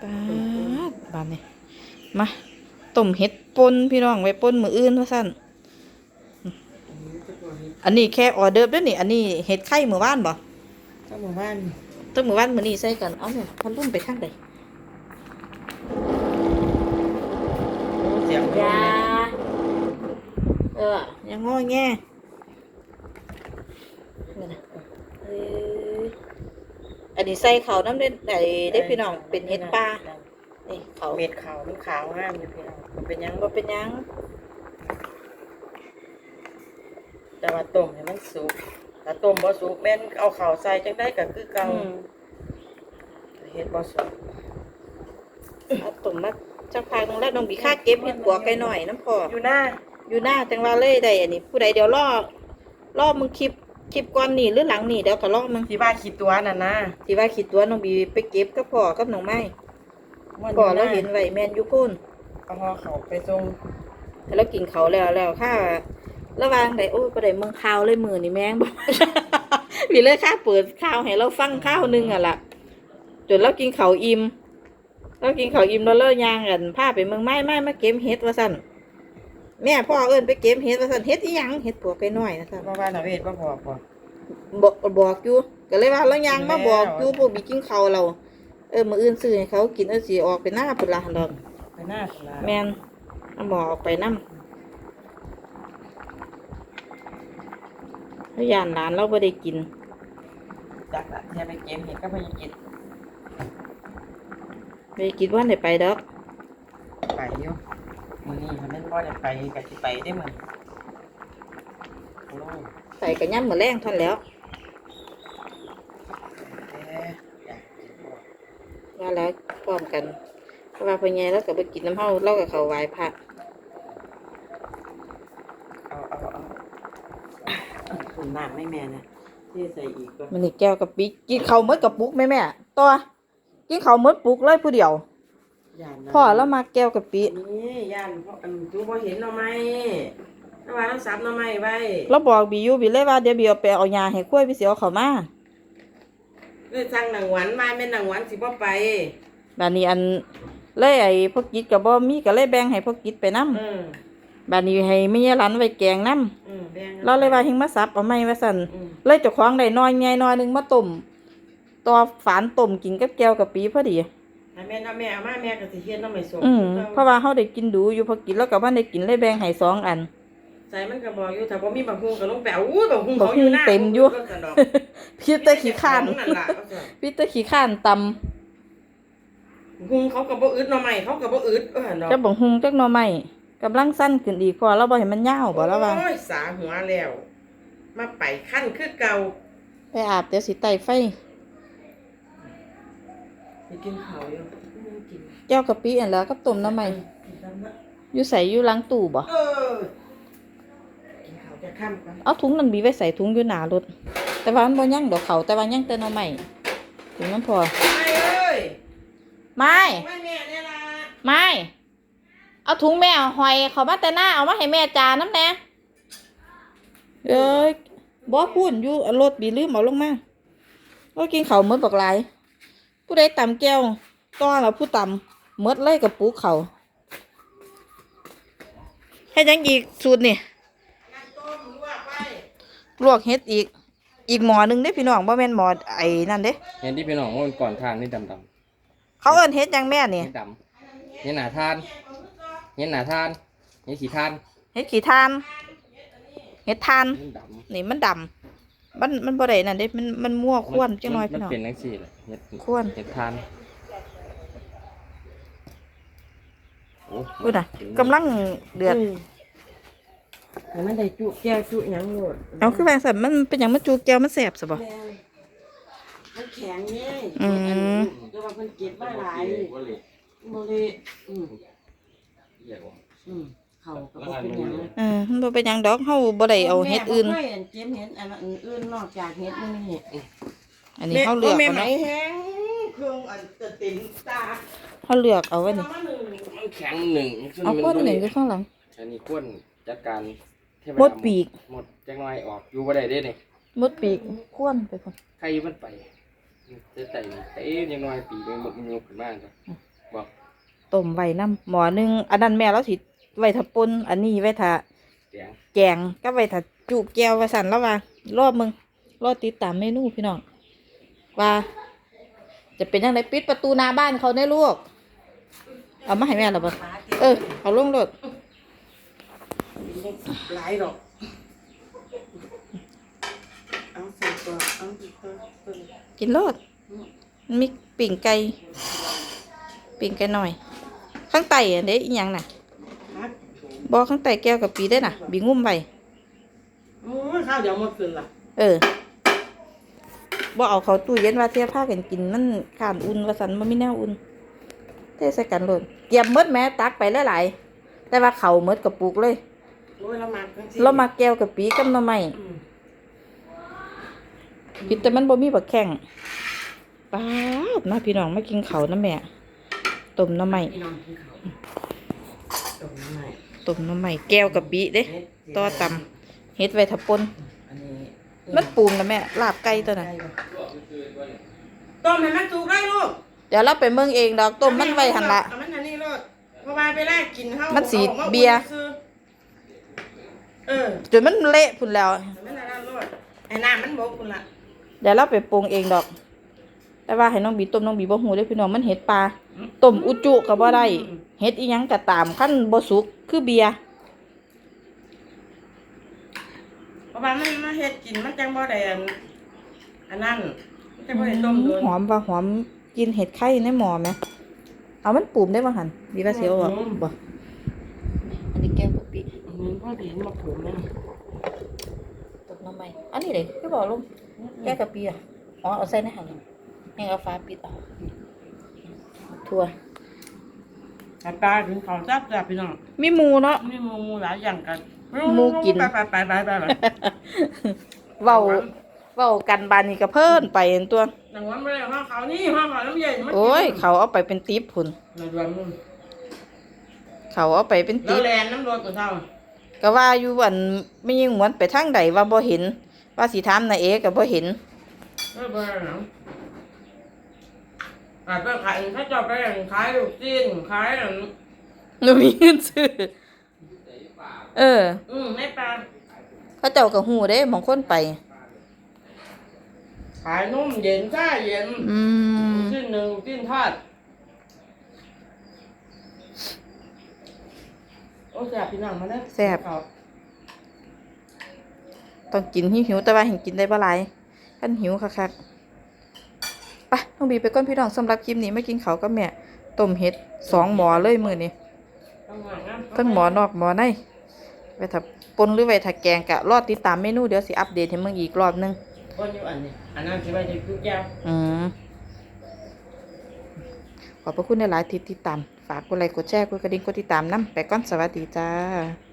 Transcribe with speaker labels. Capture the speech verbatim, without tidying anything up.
Speaker 1: ปาดบานนี่มาต้มเห็ดป่นพี่น้องไว้ป่นมื้ออื่นว่าซั่นอันนี้แค่ออเดิร์ฟเด้อนี่อันนี้เห็ดไข่มื้อวานบ่
Speaker 2: ก็หมู่บ้าน
Speaker 1: ต้มมื้อวานมื้อนี้ใส่กันเอาแม่พันลุ่มไปทางใด
Speaker 2: เสียง
Speaker 1: ยาเออยังง้อแงเอออันนี้ใส่เขาน้ำเด็ดไอ้ได้พี่น้องเป็นเห็ดปลานี่เขา
Speaker 2: เม็ดขาวมันขาวงามอยู่พี่น้องมันเป็นยัง
Speaker 1: บ่เป็นหยัง
Speaker 2: แต่ว่าต้มให้มันสุกถ้าต้มบ่สุกแม่นเอาข้าวใส่จังได้ก็คือเก่าเฮ็ดบ่สุก
Speaker 1: เอาตุ่มมาจักพายตรงแรกน้องบีค่าเก็บเห็ดปัวไก่หน่อยน้ำพอ
Speaker 2: อยู่หน้า
Speaker 1: อยู่หน้าจังว่าเลยได้อันนี้ผู้ใดเดี๋ยวรอรอมึงคลิปคลิปก่อนนี่หรือหลังนี่เดี๋ยวก็รอมึง
Speaker 2: ที่ว่าขี้ตัวนั่นนะ
Speaker 1: ที่ว่าคิดตัวน้องบีไปเก็บกับพ่อกับน้องไม้พ่อเราเห็นไว้แมนอยู่พุ่น
Speaker 2: เอาห่อข้าวไปส่ง
Speaker 1: แล้วกินเขาวแล้วแล้วค่ะระหวางได้โอ้ยบ่ได้เมืองข่าวเลยมือนี่แม่งบอก มีเลยค่ะเปิดข่าวให้เราฟังข่าวหนึงอ่ะล่ะจนเรากินเขาวอิ่มเรากินเขาวอิ่มแล้วเลิกย่างกันพาไปเมืองไม้ไม้มาเก็บเห็ดว่าซั่นแม่พ่อเอิ้นไปเก็บเห็ดว่าซั่นเห็ดอีหยังเห็ดปวกไก่น้อยนะซั่น
Speaker 2: เพราะว่าน่ะเวทบ่บอกบ่
Speaker 1: บอกบอกอยู่ก็เลยว่าเราย่างมาบอกอยู่พวกบีกินเขาวเราเออมื้ออื่นซื้อให้เขากินเออสิออกไปหน้าพุ่นล่ะดอก
Speaker 2: ไปหน้าพุ่นล่ะ
Speaker 1: แม่นเอาหมอออกไปนำแล้วย่านหลานเราบ่ได้กิน
Speaker 2: จักละอย่าไปเก็บเห็ดก็บ่อยากกิน
Speaker 1: ไปกินวันได้ไปดอก
Speaker 2: ไปอยู่มื้อนี้ถ้าแม่นบ่ได้ไปก็สิไปได้มื้อโอ้ย
Speaker 1: ใส่กระย่ำมื้อแรงเท่านนแหล้ว
Speaker 2: เอ๊ะอยากกินบ่
Speaker 1: ว่าแล้วพร้อมกันเพราะว่าพ่อใหญ่เราก็บ่กินน้ำเฮาเราก็เข้าไหว้พระ
Speaker 2: เอาเอาเอาเอาถุงน้ำให้แม่นะที่ใส่อีกก็
Speaker 1: มื้อนี้แก้วกับปิกินข้าวหมดกระปุกแม่แม่ต่อกินข้าวหมดปุกเลยผู้เดียว
Speaker 2: ย่านนะ
Speaker 1: พ่อเรามาแก้วกับปิ
Speaker 2: นี่ย่านพ่ออันจูบ่เห็นหน่อไม้ถ้าว่าเราสับหน่อไม้ไว้
Speaker 1: เราบอกบิอยู่บิเลยว่าเดี๋ยวบิเอาไปเอายาให้กล้วยพี่สิเอาเข้ามา
Speaker 2: เลยสั่งหนังหวานมาแม่นหนังหวานสิบ่ไป
Speaker 1: บัดนี้อันเลยไอ้พวกกิจก็บ่มีก็เลยแบ่งให้พวกกิจไปนำ
Speaker 2: อืม
Speaker 1: บัดนี้ให้แม่ยายหลานไว้แกงนำ
Speaker 2: อืมแบ่ง
Speaker 1: เราเลยว่าเฮงมาสับเอาไม้ว่าซั่น
Speaker 2: อืม
Speaker 1: เลยเจ้าของได้น้อยใหญ่น้อยหนึงมาต้มตัวฝานต้มกินกับแก้วกับปีพอดี
Speaker 2: ถ้าแม่นเอาแม่เอามาแม่ก็สิเฮ็ดหน่อไม้ส้ม
Speaker 1: อืมเพราะว่าเฮาได้กินดูอยู่พอกินแล้วก็บ่ได้กินเลยแบ่งให้สองอัน
Speaker 2: ใส่มันก็บอกอยู่ถ้าบ่มีบักฮุงก็ลงไปเอาอุ้ยบักฮุงเขาอยู่หน้า
Speaker 1: บักฮุงเต็มอยู่
Speaker 2: ก็สั่นดอก
Speaker 1: พี่แต่ขี้ข้าน
Speaker 2: นั่นล่ะเอาซั่น
Speaker 1: พี่แต่ขี้ข้านตำ
Speaker 2: บักฮุงเขาก็บ่อึดหน่อไม้เขาก็บ่อึดเออเนาะ
Speaker 1: จะบ่หุงจักหน่อไม้กำลังสั้นขึ้นอีกพอเราบ่ให้มันยาวบ่แล้วว่า
Speaker 2: โอ้ยสาหัวแล้ว มาไปขั้นคือเก่า
Speaker 1: ไปอาบเดี๋ยวสิไต่ไฟ
Speaker 2: ไปกินข้าวอยู่ไม่กิน
Speaker 1: แก้วกะปิอันแล้วกับต้มหน่อไม้
Speaker 2: กินซ้ำนะ
Speaker 1: อยู่ใส่อยู่หลังตู้บ่
Speaker 2: เออกินข้าวจะค่ำกัน
Speaker 1: เอาถุงนั้นบีไว้ใส่ถุงอยู่หน้ารถแต่ว่ามันบ่ยังดอกเขาแต่ว่ายังแต่หน่อไม้ถุงนั้นพอ
Speaker 2: ไม่เอ้ย
Speaker 1: ไม่
Speaker 2: ไม่แม่เนี่ยล่ะ
Speaker 1: ไม่เอาถุงแม่หอยเขามาแต่หน้าเอามาให้แม่จาน้ำแน่เอ้ยบ่พูนอยู่รถบีลืมเอาลงมาก็กินข้าวหมดบักหลายผู้ใดตำแก้วต้อเราผู้ตำหมดเลยกับปูเขาให้ยังอีกสูตรนี่
Speaker 2: น้ำต้มลวกไว้
Speaker 1: ลวกเฮ็ดอีก อีกหม้อหนึงเด้พี่น้องบ่แม่นหม้อไอ้นั่นเด้
Speaker 3: เห็นที่พี่น้องว่ามันก่อนทานนี่ดำดำ
Speaker 1: เขาเอิ้นเฮ็ดหยังแม่นี่
Speaker 3: นี่ดำเห็นหนาทานเห็นหนาทานเห็นขี้ทาน
Speaker 1: เฮ็ดขี้ทานเฮ็ดทาน
Speaker 3: เห็นด
Speaker 1: นี่มันดำมันมันบ่ได้นั่นเด้มันมันมั่ว
Speaker 3: ำ
Speaker 1: ควนจังน้อย
Speaker 3: มั
Speaker 1: พี่น้อง
Speaker 3: เป็นนังสี่แหละเห็ด
Speaker 1: ข้วน
Speaker 3: เห็ดทานโอ้
Speaker 1: พูดน่ะกำลังเดือด
Speaker 2: ให้มันได้จุแก้วจุหยังโลด
Speaker 1: เอาคือว่าซั่นมันเป็นหยังมันจูแก้วมันแซ่บซะบ่
Speaker 2: แม่มันแข็งไง
Speaker 1: อืม
Speaker 2: แต่ว่าเพิ่นเก็บมาหลาย
Speaker 3: ว่าเลย
Speaker 2: บ่เลยอืม
Speaker 3: เหี้ยว่ะ
Speaker 2: อืมเขาก็บ่เป็นหยัง
Speaker 1: เออมันบ่เป็นหยังดอกเฮาบ่ได้เอาเฮ็ดอื่น
Speaker 2: แม่บ่เคยเห็นเก็บเห็ดอันอื่นนอกจากเห็ดนี่
Speaker 1: อันนี้เฮาเลือก
Speaker 2: แม่
Speaker 1: เอา
Speaker 2: ไหม
Speaker 1: นะ
Speaker 2: แห้งเครื่องอันจะติ่มตา
Speaker 1: เฮาเลือกเอาไว้นี่
Speaker 2: เอามาหนึ่ง
Speaker 3: มันแข็งหนึ่ง
Speaker 1: เอาข้วนหนึ่งอยู่ข้างหลัง
Speaker 3: อันนี้ข้วนจัดการเทว
Speaker 1: หมดปีก
Speaker 3: หมดจังน้อยออกอยู่บ่ได้เด้นี่
Speaker 1: หมดปีกข้วนไปพุ่น
Speaker 3: ใครมันไปจะไต่เอ๊ะยังน้อยปีกมันหมดมันยกขึ้นมาจ้ะบอก
Speaker 1: ต้มไว้น้ำหมอหนึงอันนั้นแม่เราสิไว้ถ้าป่นอันนี้ไว้ถ้า
Speaker 3: แกง
Speaker 1: แกงก็ไว้ถ้าจุแก้วว่าสั่นแล้วว่ารอบมึงรอติดตามเมนูพี่น้องว่า จะเป็นยังไงปิดประตูหน้าบ้านเขาได้ลูกเอามาให้แม่หรอบ่เออเอาลงรถ
Speaker 2: หลายดอกเอาใส่ตัวเอาใส่ตัวตัวนี้
Speaker 1: กินรถมีปิ่งไก่ปิ่งไก่หน่อย ข้างใต้อันเด้อีหยังน่ะ
Speaker 2: ครับ
Speaker 1: บ่ข้างใต้แก้วกับปีได้น่ะบีงุ่มไว้
Speaker 2: โอ้ยข้าวเดี๋ยวหมดคืนละ
Speaker 1: เออบ่เอาเขาตู้เย็นว่าเทียบผ้ากันกินมันข้านอุ่นว่าสันมันไม่แน่อุ่นเทใส่กันโลดเกียมมดแม่ตักไปหลายๆแต่ว่าเขามดกระปุกเลย
Speaker 2: โอ้ยเรามาจังสิ
Speaker 1: เรามาแก้วกับปีกับหน่อไม้
Speaker 2: อืม
Speaker 1: ผิดแต่มันบ่มีบักแข้งป้าดมาพี่น้องมากินเขาวนะแม่ต้มหน่อไม้
Speaker 2: พี่น้องกินข้าวตรงนี้หน่อย
Speaker 1: ต้มหน่อไม้แก้วกับปีเด้ต่อตำเฮ็ดไว้ถ้าป่น
Speaker 2: อันนี้
Speaker 1: มันปรุงแล้วแม่ลาบไก่ตัวน่ะ
Speaker 2: ต้มให้มันสุกได้ลูก
Speaker 1: เดี๋ยวเราไปเมืองเองดอกต้มมันไว้หั่นละ
Speaker 2: เอามันอันนี้ลูกเพราะว่าไปแลกกินข้าว
Speaker 1: มันสี
Speaker 2: อาออกมา
Speaker 1: เบียร์
Speaker 2: ซื้อเออ
Speaker 1: จนมันเละพุ่นแล้ว
Speaker 2: เอามันอันนั้นลูกไอ้น้ำมันบกคุณละ
Speaker 1: เดี๋ยวเราไปปรุงเองดอก แต่ว่าให้น้องบีต้มน้องบีบ่ฮู้เด้อพี่น้องมันเห็ดปลาต้มอุจุก็บ่ได้เห็ดอีหยังก็ตามคันบ่สุกคือเบียร์
Speaker 2: เพราะว่ามันมาเฮ็ดกินมันจังบ่ได้อันอันนั้นมันจังบ่ได้ต้มโดน
Speaker 1: หอมว่าหอมกินเห็ดไข่ในหม้อแหมเอามันปรุงได้บ่หั่นบีว่าสิเอาออกบ่อันนี้แก้วกะปิ
Speaker 2: อันนี้พ่อดีมาปลูกแล้ว
Speaker 1: ต้มน้ำใหม่อันนี้เด้คือบ่ลงแก้วกะปิอ่ะอ๋อเอาใส่ในหั่นให้เอาฟ้าปิดเอาทั่ว
Speaker 2: ปลาปลาถึงเขาจับจับพี่น้อง
Speaker 1: มีหมูเนาะ
Speaker 2: มีหมูหมูหลายอย่างกัน
Speaker 1: หมูกิน
Speaker 2: ไปไปไปไปไปไป
Speaker 1: เว้าเว้ากันบานนี้ก็เพิ่นไปอันตัว
Speaker 2: หนังวันไม่ได้ห้องเขานี่ห้องเขาน้ำเย็นมัน
Speaker 1: โอ้ยเขาเอาไปเป็นติ๊บพุ่น
Speaker 2: หนังวันมึง
Speaker 1: เขาเอาไปเป็น
Speaker 2: แล้
Speaker 1: ติ๊
Speaker 2: ว
Speaker 1: บ
Speaker 2: แลนน้ำรถกับเท่า
Speaker 1: ก็ว่าอยู่วันไม่ยิงหวนไปทางใดว่าบ่เห็น ว่าสิถามนายเอก็บ่เห็น
Speaker 2: เออเบอร์หนังอ่าไปขายถ้าจะไปขายลูกจีนขายอัน
Speaker 1: หนูมีเงินซื้อเออ
Speaker 2: อืมในปลา
Speaker 1: เขาเจ้าก็ฮู้เด้บางคนไป
Speaker 2: ขายนุ่มเย็นซ่าเย็น
Speaker 1: อืม
Speaker 2: ชิ้นหนึ่งชิ้นทอดโอ้แซ่บพี่น้องมาเด้อ
Speaker 1: แซ่บ ต้องกินหิวๆแต่ว่าเห็นกินได้บ่หลายคันหิวคักๆไปน้องบีไปก่อนพี่น้องสำหรับคลิปนี้มากินข้าวกับแม่ต้มเห็ดสองหม้อเลยมื้อนี้ ทั้งหมอนอกหมอในไว้ถ้าปนหรือไว้ถ้าแกงกะรอติดตามเมนูเดี๋ยวสิอัปเดตให้มึงอีกรอบนึง
Speaker 2: คนอยู่อันนี้อันนั้นสิไปจะคุกยาว
Speaker 1: อืมขอบพระคุณในหลายๆที่ติดตาม ฝากกดไลค์กดแชร์กดกระดิ่งกดติดตามนำไปก่อนสวัสดีจ้า